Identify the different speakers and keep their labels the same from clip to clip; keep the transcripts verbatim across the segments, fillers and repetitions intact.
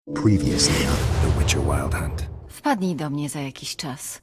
Speaker 1: Previously on The Witcher Wild Hunt.
Speaker 2: Wpadnij do mnie za jakiś czas.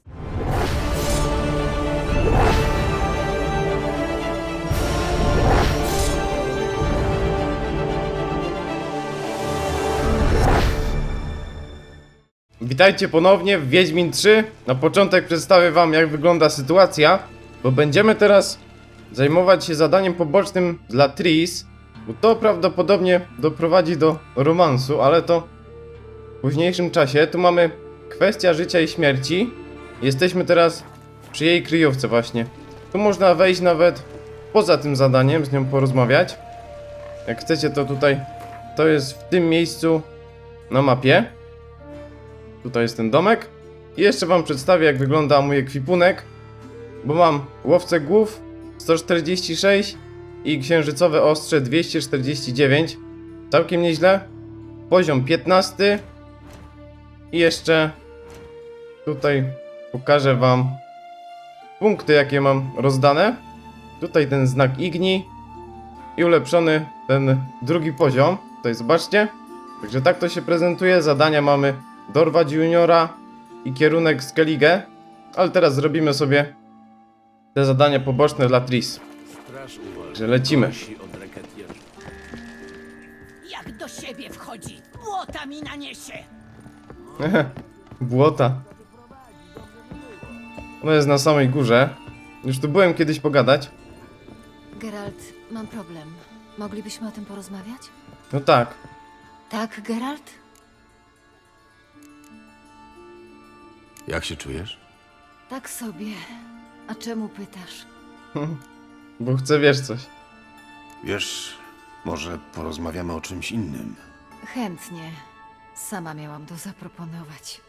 Speaker 3: Witajcie ponownie w Wiedźmin trzy. Na początek przedstawię wam, jak wygląda sytuacja, bo będziemy teraz zajmować się zadaniem pobocznym dla Triss, bo to prawdopodobnie doprowadzi do romansu, ale to w późniejszym czasie. Tu mamy kwestia życia i śmierci. Jesteśmy teraz przy jej kryjówce właśnie. Tu można wejść nawet poza tym zadaniem, z nią porozmawiać. Jak chcecie, to tutaj, to jest w tym miejscu na mapie. Tutaj jest ten domek. I jeszcze wam przedstawię, jak wygląda mój ekwipunek. Bo mam łowcę głów sto czterdzieści sześć i księżycowe ostrze dwieście czterdzieści dziewięć. Całkiem nieźle. Poziom piętnasty. I jeszcze tutaj pokażę wam punkty, jakie mam rozdane. Tutaj ten znak Igni i ulepszony ten drugi poziom. Tutaj zobaczcie. Także tak to się prezentuje. Zadania mamy dorwać juniora i kierunek Skellige. Ale teraz zrobimy sobie te zadania poboczne dla Triss. Także lecimy.
Speaker 4: Jak do siebie wchodzi, błota mi naniesie.
Speaker 3: Błota. Ono jest na samej górze. Już tu byłem kiedyś pogadać.
Speaker 2: Geralt, mam problem. Moglibyśmy o tym porozmawiać?
Speaker 3: No tak.
Speaker 2: Tak, Geralt?
Speaker 5: Jak się czujesz?
Speaker 2: Tak sobie. A czemu pytasz?
Speaker 3: Bo chcę, wiesz coś.
Speaker 5: Wiesz, może porozmawiamy o czymś innym.
Speaker 2: Chętnie. Sama miałam to zaproponować.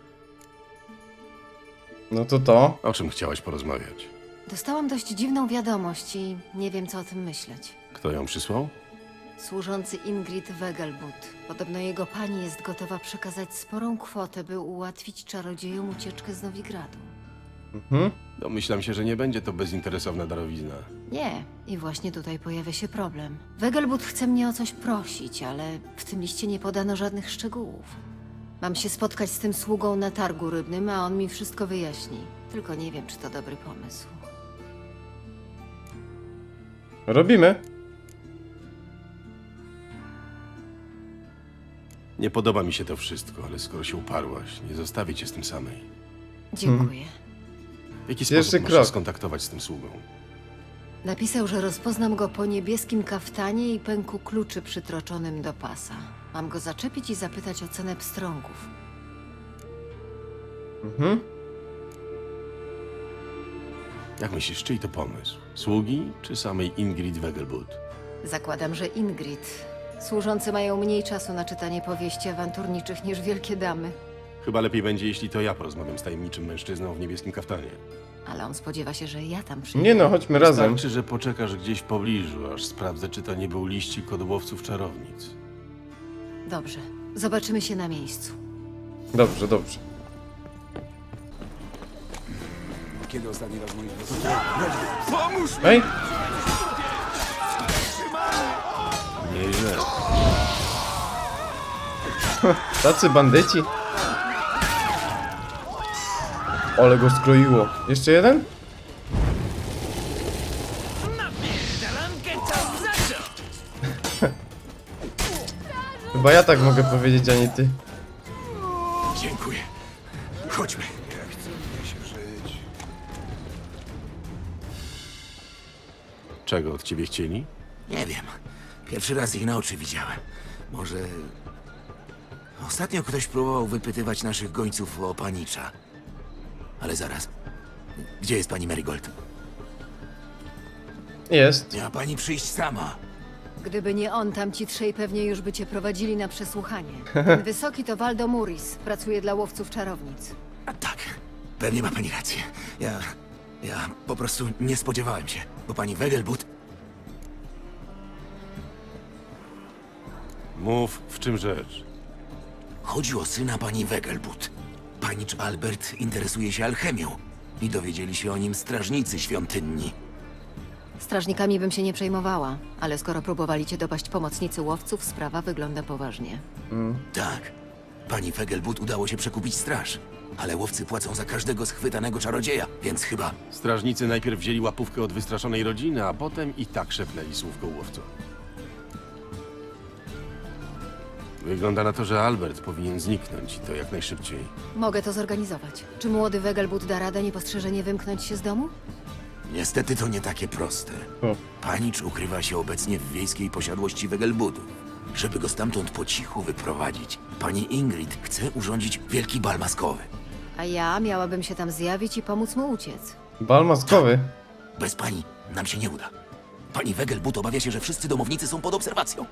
Speaker 3: No to to.
Speaker 5: O czym chciałaś porozmawiać?
Speaker 2: Dostałam dość dziwną wiadomość i nie wiem, co o tym myśleć.
Speaker 5: Kto ją przysłał?
Speaker 2: Służący Ingrid Wegelbud. Podobno jego pani jest gotowa przekazać sporą kwotę, by ułatwić czarodziejom ucieczkę z Nowigradu.
Speaker 3: Mhm.
Speaker 5: Domyślam się, że nie będzie to bezinteresowna darowizna.
Speaker 2: Nie, i właśnie tutaj pojawia się problem. Wegelbud chce mnie o coś prosić, ale w tym liście nie podano żadnych szczegółów. Mam się spotkać z tym sługą na targu rybnym, a on mi wszystko wyjaśni. Tylko nie wiem, czy to dobry pomysł.
Speaker 3: Robimy.
Speaker 5: Nie podoba mi się to wszystko, ale skoro się uparłaś, nie zostawię cię z tym samej.
Speaker 2: Dziękuję.
Speaker 5: W jaki
Speaker 3: Pierwszy
Speaker 5: sposób masz
Speaker 3: krok.
Speaker 5: się skontaktować z tym sługą?
Speaker 2: Napisał, że rozpoznam go po niebieskim kaftanie i pęku kluczy przytroczonym do pasa. Mam go zaczepić i zapytać o cenę pstrągów.
Speaker 3: Mhm.
Speaker 5: Jak myślisz, czyj to pomysł? Sługi czy samej Ingrid Wegelbud?
Speaker 2: Zakładam, że Ingrid. Służący mają mniej czasu na czytanie powieści awanturniczych niż wielkie damy.
Speaker 5: Chyba lepiej będzie, jeśli to ja porozmawiam z tajemniczym mężczyzną w niebieskim kaftanie.
Speaker 2: Ale on spodziewa się, że ja tam przyjdę.
Speaker 3: Nie no, chodźmy razem.
Speaker 5: Wystarczy, że poczekasz gdzieś w pobliżu, aż sprawdzę, czy to nie był liścik od łowców czarownic.
Speaker 2: Dobrze. Zobaczymy się na miejscu.
Speaker 3: Dobrze, dobrze.
Speaker 1: Kiedy ostatni raz moi
Speaker 3: Ej!
Speaker 5: Nieźle.
Speaker 3: Tacy bandyci. Ale go skroiło. Jeszcze jeden?
Speaker 4: Dalankę czas zacząć.
Speaker 3: Chyba ja tak mogę powiedzieć, a nie ty.
Speaker 1: Dziękuję. Chodźmy. Jak chce mnie się żyć.
Speaker 5: Czego od ciebie chcieli?
Speaker 6: Nie wiem. Pierwszy raz ich na oczy widziałem. Może... Ostatnio ktoś próbował wypytywać naszych gońców o panicza. Ale zaraz. Gdzie jest pani Marigold?
Speaker 3: Jest.
Speaker 6: Miała pani przyjść sama.
Speaker 2: Gdyby nie on, tamci trzej pewnie już by cię prowadzili na przesłuchanie. Ten wysoki to Waldo Muris. Pracuje dla łowców czarownic.
Speaker 6: A tak. Pewnie ma pani rację. Ja... Ja po prostu nie spodziewałem się. Bo pani Wegelbud...
Speaker 5: Mów, w czym rzecz?
Speaker 6: Chodzi o syna pani Wegelbud. Panicz Albert interesuje się alchemią. I dowiedzieli się o nim strażnicy świątynni.
Speaker 2: Strażnikami bym się nie przejmowała, ale skoro próbowali cię dopaść pomocnicy łowców, sprawa wygląda poważnie.
Speaker 6: Tak. Pani Vegelbud udało się przekupić straż. Ale łowcy płacą za każdego schwytanego czarodzieja, więc chyba...
Speaker 5: Strażnicy najpierw wzięli łapówkę od wystraszonej rodziny, a potem i tak szepnęli słówko łowcom. Wygląda na to, że Albert powinien zniknąć i to jak najszybciej.
Speaker 2: Mogę to zorganizować. Czy młody Wegelbud da radę niepostrzeżenie wymknąć się z domu?
Speaker 6: Niestety to nie takie proste.
Speaker 3: O.
Speaker 6: Panicz ukrywa się obecnie w wiejskiej posiadłości Wegelbudów. Żeby go stamtąd po cichu wyprowadzić, pani Ingrid chce urządzić wielki bal maskowy.
Speaker 2: A ja miałabym się tam zjawić i pomóc mu uciec.
Speaker 3: Bal maskowy.
Speaker 6: Bez pani nam się nie uda. Pani Wegelbud obawia się, że wszyscy domownicy są pod obserwacją.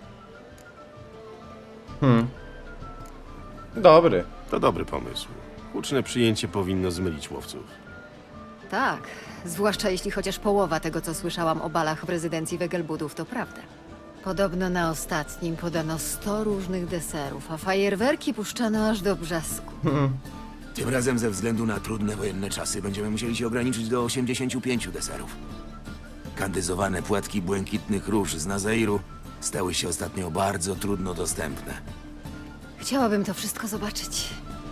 Speaker 3: Hmm. Dobry.
Speaker 5: To dobry pomysł. Huczne przyjęcie powinno zmylić łowców.
Speaker 2: Tak, zwłaszcza jeśli chociaż połowa tego, co słyszałam o balach w rezydencji Wegelbudów, to prawda. Podobno na ostatnim podano sto różnych deserów, a fajerwerki puszczano aż do brzasku.
Speaker 6: Tym razem ze względu na trudne wojenne czasy będziemy musieli się ograniczyć do osiemdziesięciu pięciu deserów. Kandyzowane płatki błękitnych róż z Nazairu stały się ostatnio bardzo trudno dostępne.
Speaker 2: Chciałabym to wszystko zobaczyć.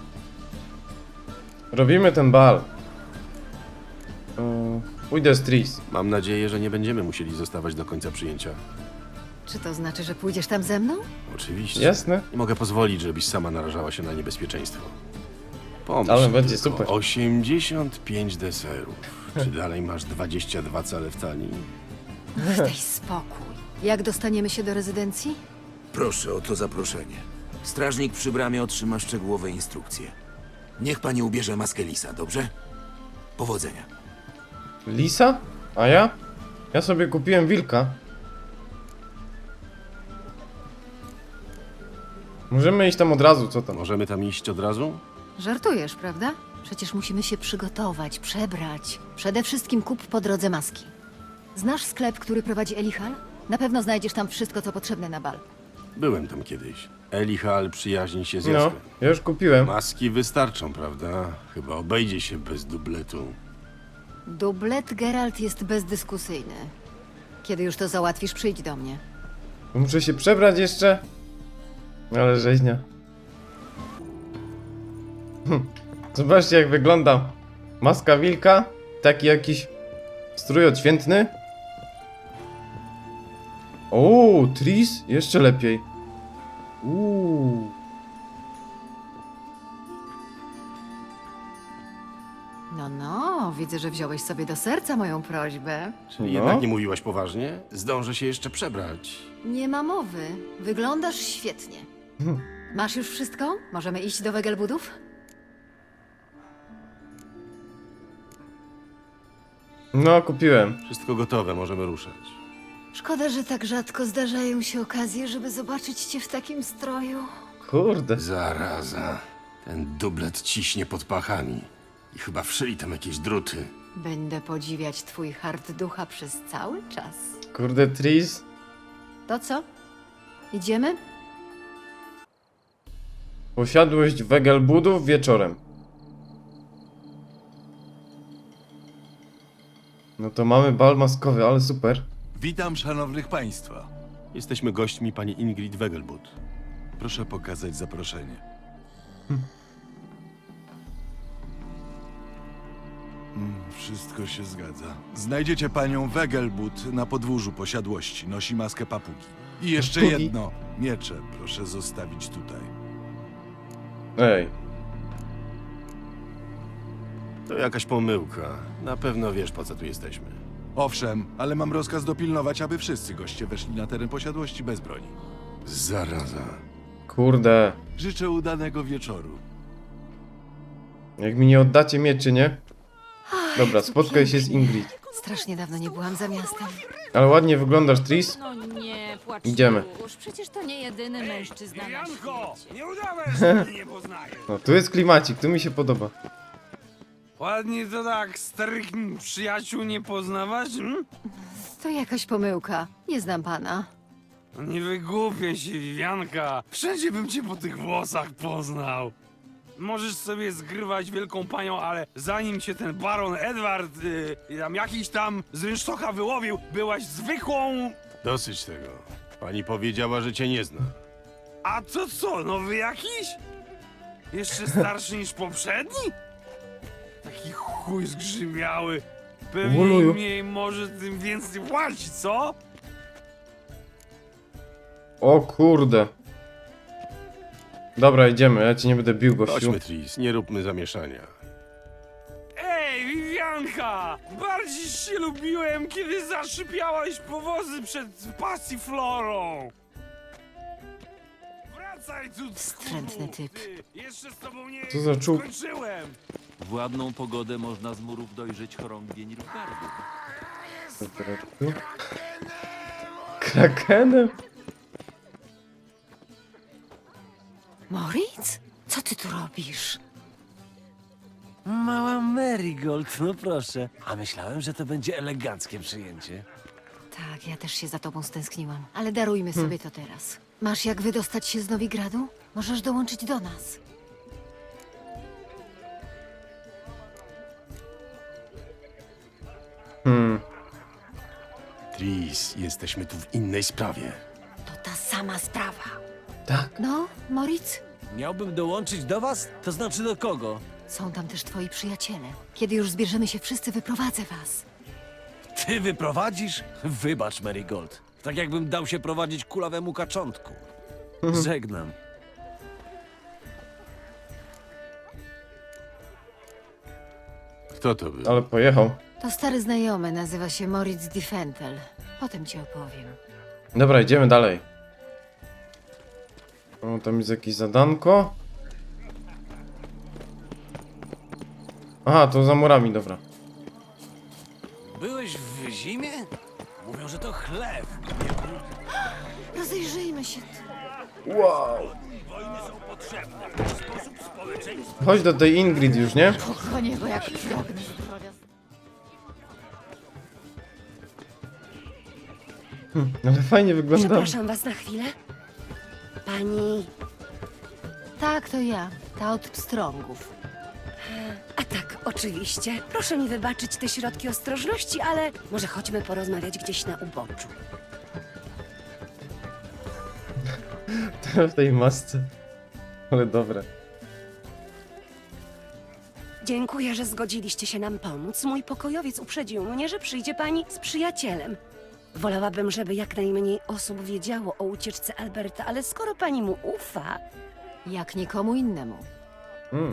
Speaker 3: Robimy ten bal. O, pójdę z Tris.
Speaker 5: Mam nadzieję, że nie będziemy musieli zostawać do końca przyjęcia.
Speaker 2: Czy to znaczy, że pójdziesz tam ze mną?
Speaker 5: Oczywiście.
Speaker 3: Jasne.
Speaker 5: Nie mogę pozwolić, żebyś sama narażała się na niebezpieczeństwo. Pomyśl
Speaker 3: Ale będzie
Speaker 5: tylko,
Speaker 3: super.
Speaker 5: osiemdziesiąt pięć deserów. Czy dalej masz dwadzieścia dwa cale w talii?
Speaker 2: Daj spokój. Jak dostaniemy się do rezydencji?
Speaker 6: Proszę o to zaproszenie. Strażnik przy bramie otrzyma szczegółowe instrukcje. Niech pani ubierze maskę lisa, dobrze? Powodzenia.
Speaker 3: Lisa? A ja? Ja sobie kupiłem wilka. Możemy iść tam od razu, co tam?
Speaker 5: Możemy tam iść od razu?
Speaker 2: Żartujesz, prawda? Przecież musimy się przygotować, przebrać. Przede wszystkim kup po drodze maski. Znasz sklep, który prowadzi Elihal? Na pewno znajdziesz tam wszystko, co potrzebne na bal.
Speaker 5: Byłem tam kiedyś. Elihal przyjaźni się z
Speaker 3: No,
Speaker 5: Jaskrem.
Speaker 3: ja już kupiłem.
Speaker 5: Maski wystarczą, prawda? Chyba obejdzie się bez dubletu.
Speaker 2: Dublet Geralt jest bezdyskusyjny. Kiedy już to załatwisz, przyjdź do mnie.
Speaker 3: Muszę się przebrać jeszcze. Ale rzeźnia. Hm. Zobaczcie, jak wygląda maska wilka. Taki jakiś strój odświętny. O, Tris? Jeszcze lepiej. Uuu.
Speaker 2: No, no, widzę, że wziąłeś sobie do serca moją prośbę.
Speaker 5: Czyli
Speaker 3: No.
Speaker 5: jednak nie mówiłaś poważnie? Zdążę się jeszcze przebrać.
Speaker 2: Nie ma mowy. Wyglądasz świetnie. Masz już wszystko? Możemy iść do Wegelbudów?
Speaker 3: No, kupiłem.
Speaker 5: Wszystko gotowe, możemy ruszać.
Speaker 2: Szkoda, że tak rzadko zdarzają się okazje, żeby zobaczyć cię w takim stroju.
Speaker 3: Kurde.
Speaker 5: Zaraza. Ten dublet ciśnie pod pachami. I chyba wszyli tam jakieś druty.
Speaker 2: Będę podziwiać twój hart ducha przez cały czas.
Speaker 3: Kurde, Tris.
Speaker 2: To co? Idziemy?
Speaker 3: Posiadłość Wegelbudów wieczorem. No to mamy bal maskowy, ale super.
Speaker 7: Witam szanownych państwa.
Speaker 5: Jesteśmy gośćmi pani Ingrid Wegelbud.
Speaker 7: Proszę pokazać zaproszenie. Mm, wszystko się zgadza. Znajdziecie panią Wegelbud na podwórzu posiadłości. Nosi maskę papugi. I jeszcze
Speaker 3: Papugi?
Speaker 7: jedno. Miecze proszę zostawić tutaj.
Speaker 3: Ej.
Speaker 5: To jakaś pomyłka. Na pewno wiesz, po co tu jesteśmy.
Speaker 7: Owszem, ale mam rozkaz dopilnować, aby wszyscy goście weszli na teren posiadłości bez broni.
Speaker 5: Zaraza.
Speaker 3: Kurde.
Speaker 7: Życzę udanego wieczoru.
Speaker 3: Jak mi nie oddacie mieczy, nie? Dobra, spotkaj się z Ingrid.
Speaker 2: Strasznie dawno nie byłam za miastem.
Speaker 3: Ale ładnie wyglądasz, Tris.
Speaker 8: No nie, płacz
Speaker 3: Idziemy.
Speaker 8: już. Przecież to nie jedyny mężczyzna na
Speaker 1: Janko!
Speaker 8: świecie.
Speaker 1: Nie udawaj, że mnie nie poznajesz.
Speaker 3: No, tu jest klimacik, tu mi się podoba.
Speaker 9: Ładnie to tak starych przyjaciół nie poznawać? Hmm?
Speaker 2: To jakaś pomyłka. Nie znam pana.
Speaker 9: No nie wygłupię się, Wianka. Wszędzie bym cię po tych włosach poznał. Możesz sobie zgrywać wielką panią, ale zanim cię ten baron Edward, y, tam jakiś tam z rynsztoka wyłowił, byłaś zwykłą...
Speaker 5: Dosyć tego. Pani powiedziała, że cię nie zna.
Speaker 9: A to co, nowy jakiś? Jeszcze starszy niż poprzedni? Taki chuj zgrzymiały. Pewnie
Speaker 3: Uluju.
Speaker 9: im mniej może, tym więcej płaci, co?
Speaker 3: O kurde. Dobra, idziemy, ja ci nie będę bił, gościu.
Speaker 5: Chodźmy, Tris, nie róbmy zamieszania.
Speaker 9: Ej, Vivianka! Bardziej się lubiłem, kiedy zaszypiałaś powozy przed pasiflorą! Wracaj tu,
Speaker 2: Wstrętny typ.
Speaker 9: ty! Jeszcze z tobą nie
Speaker 3: Co za czub?
Speaker 9: skończyłem!
Speaker 10: W ładną pogodę można z murów dojrzeć chorągwie Nilfgaardu.
Speaker 3: Krakenem?
Speaker 2: Moritz? Co ty tu robisz?
Speaker 11: Mała Marigold, no proszę. A myślałem, że to będzie eleganckie przyjęcie.
Speaker 2: Tak, ja też się za tobą stęskniłam. Ale darujmy sobie to teraz. Masz jak wydostać się z Nowigradu? Możesz dołączyć do nas.
Speaker 3: Hmm.
Speaker 5: Tris, jesteśmy tu w innej sprawie.
Speaker 2: To ta sama sprawa.
Speaker 3: Tak.
Speaker 2: No, Moritz?
Speaker 11: Miałbym dołączyć do was? To znaczy do kogo?
Speaker 2: Są tam też twoi przyjaciele. Kiedy już zbierzemy się wszyscy, wyprowadzę was.
Speaker 11: Ty wyprowadzisz? Wybacz, Marigold. Tak jakbym dał się prowadzić kulawemu kaczątku. Żegnam.
Speaker 5: Kto to był?
Speaker 3: Ale pojechał.
Speaker 2: To stary znajomy, nazywa się Moritz Diffentel. Potem ci opowiem.
Speaker 3: Dobra, idziemy dalej. O, tam jest jakieś zadanko. Aha, to za murami, dobra.
Speaker 11: Byłeś w zimie? Mówią, że to chleb.
Speaker 2: Rozejrzyjmy się.
Speaker 3: Chodź do tej Ingrid już, nie?
Speaker 2: Pochłonie go jak drobny.
Speaker 3: Ale fajnie wygląda.
Speaker 12: Przepraszam was na chwilę. Pani...
Speaker 2: Tak, to ja. Ta od pstrągów.
Speaker 12: A tak, oczywiście. Proszę mi wybaczyć te środki ostrożności, ale może chodźmy porozmawiać gdzieś na uboczu.
Speaker 3: W tej masce. Ale dobre.
Speaker 12: Dziękuję, że zgodziliście się nam pomóc. Mój pokojowiec uprzedził mnie, że przyjdzie pani z przyjacielem. Wolałabym, żeby jak najmniej osób wiedziało o ucieczce Alberta, ale skoro pani mu ufa...
Speaker 2: Jak nikomu innemu.
Speaker 3: Mm.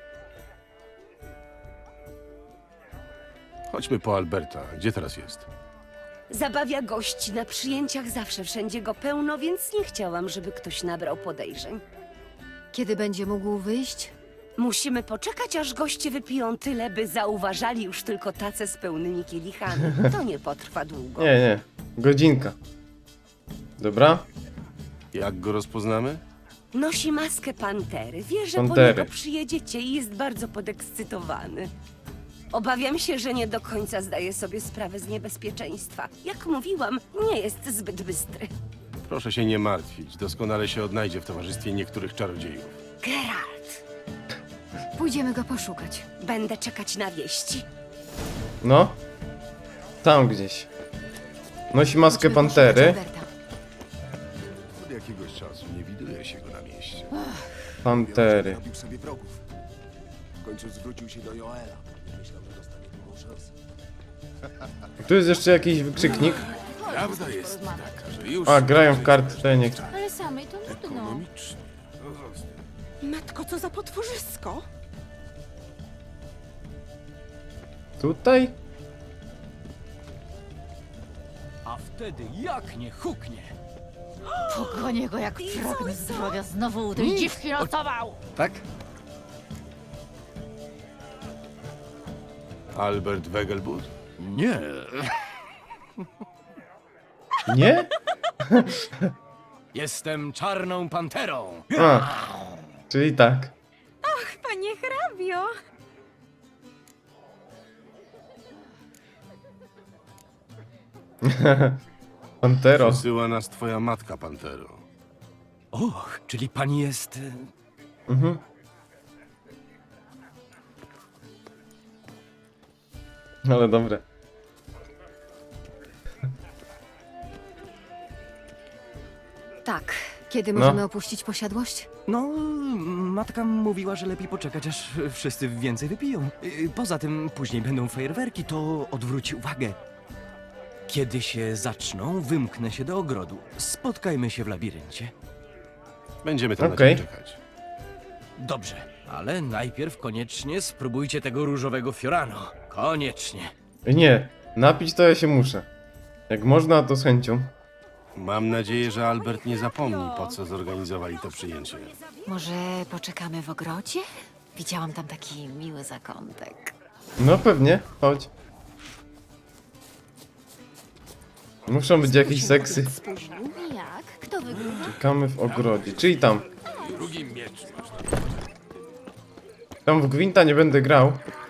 Speaker 5: Chodźmy po Alberta. Gdzie teraz jest?
Speaker 12: Zabawia gości na przyjęciach, zawsze wszędzie go pełno, więc nie chciałam, żeby ktoś nabrał podejrzeń.
Speaker 2: Kiedy będzie mógł wyjść?
Speaker 12: Musimy poczekać, aż goście wypiją tyle, by zauważali już tylko tace z pełnymi kielichami. To nie potrwa długo.
Speaker 3: Nie, nie. Godzinka. Dobra.
Speaker 5: Jak go rozpoznamy?
Speaker 12: Nosi maskę pantery. Wie, że
Speaker 3: Pantery.
Speaker 12: po niego przyjedziecie i jest bardzo podekscytowany. Obawiam się, że nie do końca zdaje sobie sprawę z niebezpieczeństwa. Jak mówiłam, nie jest zbyt bystry.
Speaker 5: Proszę się nie martwić. Doskonale się odnajdzie w towarzystwie niektórych czarodziejów.
Speaker 12: Geralt,
Speaker 2: Pójdziemy go poszukać.
Speaker 12: będę czekać na wieści.
Speaker 3: No. Tam gdzieś. Nosi maskę
Speaker 2: Chodźmy
Speaker 3: pantery.
Speaker 2: poszukać Alberta.
Speaker 7: Od jakiegoś czasu nie widuje się go na mieście.
Speaker 3: Pantery.
Speaker 6: Robił sobie wrogów. W końcu zwrócił się do Joela. Myślał, że dostanie drugą szansę.
Speaker 3: Tu jest jeszcze jakiś wykrzyknik.
Speaker 5: Prawda jest taka, że już...
Speaker 3: A, grają w kartę, nie.
Speaker 8: Ale samej to nudno.
Speaker 5: Ekonomicznie.
Speaker 4: Matko, co za potworzysko!
Speaker 3: Tutaj?
Speaker 11: A wtedy jak nie huknie?
Speaker 8: Pogonię go jak pragnę zdrowia. Znowu u tej dziwki notował.
Speaker 11: Tak?
Speaker 5: Albert Wegelbud?
Speaker 11: Nie.
Speaker 3: Nie?
Speaker 11: Jestem czarną panterą.
Speaker 3: A. Czyli tak.
Speaker 8: Panie hrabio.
Speaker 3: Pantero.
Speaker 5: Przesyła nas twoja matka, Pantero.
Speaker 11: Och, czyli pani jest...
Speaker 3: Mhm. Ale dobre.
Speaker 2: Tak. Kiedy
Speaker 3: No.
Speaker 2: możemy opuścić posiadłość?
Speaker 13: No, matka mówiła, że lepiej poczekać, aż wszyscy więcej wypiją. Y, Poza tym później będą fajerwerki, to odwróci uwagę. Kiedy się zaczną, wymknę się do ogrodu. Spotkajmy się w labiryncie.
Speaker 5: Będziemy tam
Speaker 3: Okej.
Speaker 5: na ciebie czekać.
Speaker 13: Dobrze, ale najpierw koniecznie spróbujcie tego różowego fiorano. Koniecznie.
Speaker 3: Nie, napić to ja się muszę. Jak można, to z chęcią.
Speaker 5: Mam nadzieję, że Albert nie zapomni, po co zorganizowali to przyjęcie.
Speaker 2: Może poczekamy w ogrodzie? Widziałam tam taki miły zakątek.
Speaker 3: No pewnie, chodź. Muszą być jakieś seksy.
Speaker 8: Jak? Kto wygrywa?
Speaker 3: Czekamy w ogrodzie, czyli tam.
Speaker 5: Drugi miecz.
Speaker 3: Tam w Gwinta nie będę grał.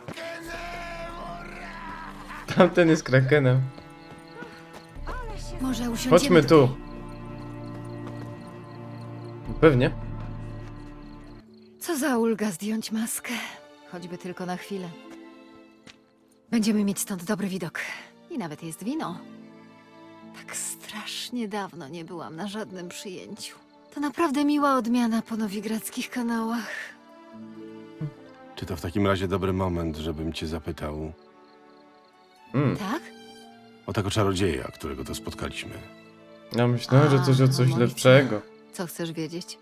Speaker 3: Tamten jest krakenem.
Speaker 2: Może usiądziemy
Speaker 3: Chodźmy tu. Pewnie.
Speaker 2: Co za ulga zdjąć maskę. Choćby tylko na chwilę. Będziemy mieć stąd dobry widok. I nawet jest wino. Tak strasznie dawno nie byłam na żadnym przyjęciu. To naprawdę miła odmiana po nowigradzkich kanałach.
Speaker 5: Czy to w takim razie dobry moment, żebym cię zapytał
Speaker 3: Mm.
Speaker 2: Tak?
Speaker 5: o tego czarodzieja, którego to spotkaliśmy?
Speaker 3: Ja myślałem, że coś o coś
Speaker 2: A,
Speaker 3: lepszego.
Speaker 2: Co chcesz wiedzieć?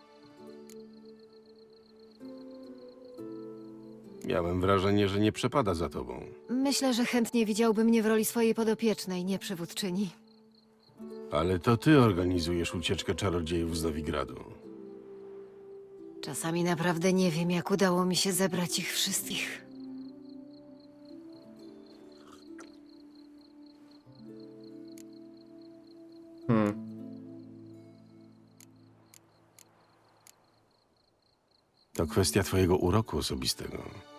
Speaker 5: Miałem wrażenie, że nie przepada za tobą.
Speaker 2: Myślę, że chętnie widziałby mnie w roli swojej podopiecznej, nie przywódczyni.
Speaker 5: Ale to ty organizujesz ucieczkę czarodziejów z Nowigradu.
Speaker 2: Czasami naprawdę nie wiem, jak udało mi się zebrać ich wszystkich.
Speaker 3: Hmm.
Speaker 5: To kwestia twojego uroku osobistego.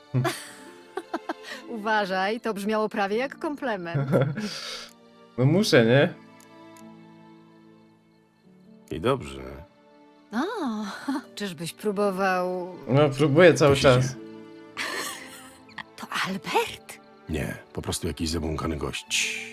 Speaker 2: Uważaj, to brzmiało prawie jak komplement.
Speaker 3: No muszę, nie?
Speaker 5: I dobrze.
Speaker 2: O, czyżbyś próbował...
Speaker 3: No próbuję cały
Speaker 5: To się
Speaker 3: czas.
Speaker 5: dzieje.
Speaker 2: To Albert?
Speaker 5: Nie, po prostu jakiś zabłąkany gość.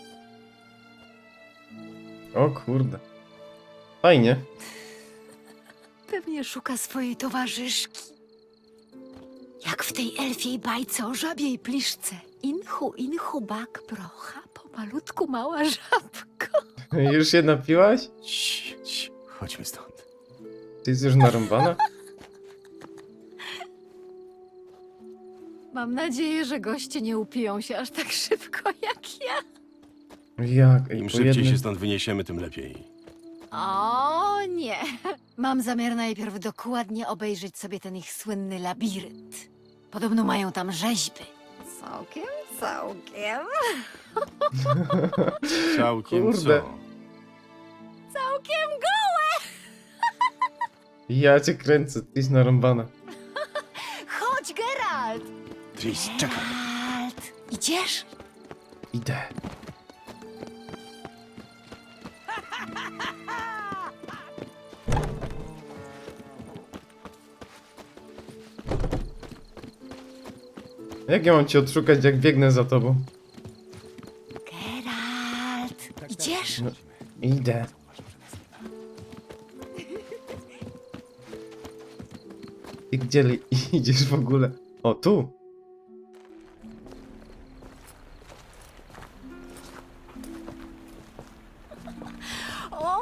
Speaker 3: O kurde. Fajnie.
Speaker 2: Pewnie szuka swojej towarzyszki. Jak w tej elfiej bajce o żabiej pliszce. Inchu, inchu, bak, procha, pomalutku mała żabko.
Speaker 3: Już się napiłaś?
Speaker 5: Cii, cii, chodźmy stąd.
Speaker 3: Ty jesteś już narąbana?
Speaker 2: Mam nadzieję, że goście nie upiją się aż tak szybko jak ja.
Speaker 3: Jak? Ej,
Speaker 5: Im
Speaker 3: po
Speaker 5: szybciej
Speaker 3: jednym...
Speaker 5: się stąd wyniesiemy, tym lepiej.
Speaker 2: O nie. Mam zamiar najpierw dokładnie obejrzeć sobie ten ich słynny labirynt. Podobno mają tam rzeźby. Całkiem, całkiem.
Speaker 5: Całkiem
Speaker 3: Kurde.
Speaker 5: co?
Speaker 2: Całkiem gołe!
Speaker 3: Ja cię kręcę, ty jesteś narąbana.
Speaker 2: Chodź, Geralt!
Speaker 5: Tris, czekaj.
Speaker 2: Geralt, idziesz?
Speaker 3: Idę. Jak ja mam cię odszukać, jak biegnę za tobą?
Speaker 2: Geralt, idziesz?
Speaker 3: No, idę. I gdzie li- idziesz w ogóle? O, tu.
Speaker 2: O!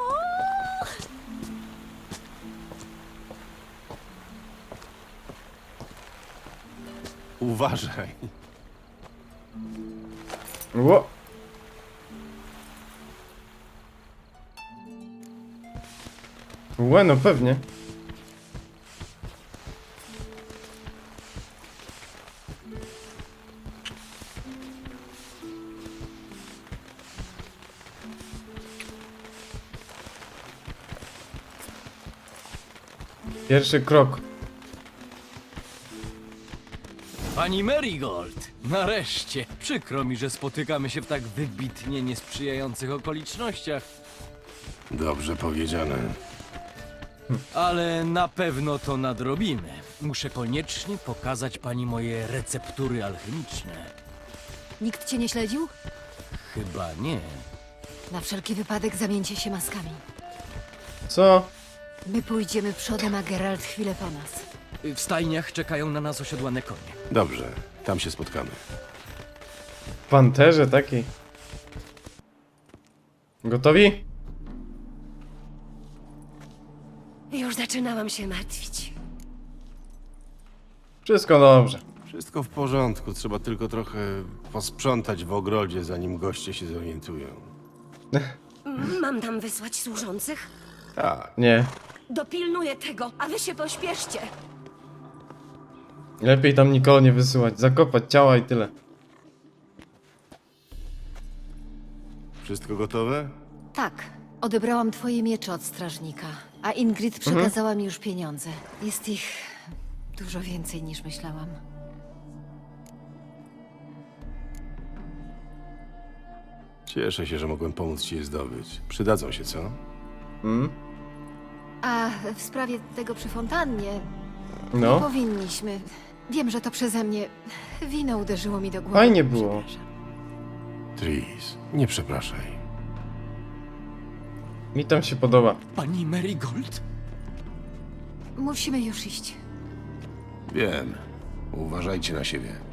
Speaker 5: Uważaj.
Speaker 3: Ło. Łe, no pewnie. Pierwszy krok.
Speaker 13: Pani Marigold, nareszcie. Przykro mi, że spotykamy się w tak wybitnie niesprzyjających okolicznościach,
Speaker 5: Dobrze powiedziane.
Speaker 13: ale na pewno to nadrobimy. Muszę koniecznie pokazać pani moje receptury alchemiczne.
Speaker 2: Nikt cię nie śledził?
Speaker 13: Chyba nie.
Speaker 2: Na wszelki wypadek zamieńcie się maskami.
Speaker 3: Co?
Speaker 2: My pójdziemy przodem, a Geralt chwilę po nas.
Speaker 13: W stajniach czekają na nas osiodłane konie.
Speaker 5: Dobrze, tam się spotkamy.
Speaker 3: W panterze takiej. Gotowi?
Speaker 12: Już zaczynałam się martwić.
Speaker 3: Wszystko dobrze.
Speaker 5: Wszystko w porządku, trzeba tylko trochę posprzątać w ogrodzie, zanim goście się zorientują.
Speaker 12: Mam tam wysłać służących?
Speaker 5: Tak.
Speaker 3: Nie.
Speaker 12: Dopilnuję tego, a wy się pośpieszcie.
Speaker 3: Lepiej tam nikogo nie wysyłać. Zakopać ciała i tyle.
Speaker 5: Wszystko gotowe?
Speaker 2: Tak, odebrałam twoje miecze od strażnika, a Ingrid przekazała mi już pieniądze. Jest ich dużo więcej niż myślałam.
Speaker 5: Cieszę się, że mogłem pomóc ci je zdobyć. Przydadzą się, co?
Speaker 3: Mm?
Speaker 2: A w sprawie tego przy fontannie,
Speaker 3: No.
Speaker 2: nie powinniśmy. Wiem, że to przeze mnie. Wino uderzyło mi do głowy.
Speaker 3: Fajnie było.
Speaker 2: Przepraszam.
Speaker 5: Tris, nie przepraszaj.
Speaker 3: Mi tam się podoba.
Speaker 13: Pani Marigold?
Speaker 2: Musimy już iść.
Speaker 5: Wiem. Uważajcie na siebie.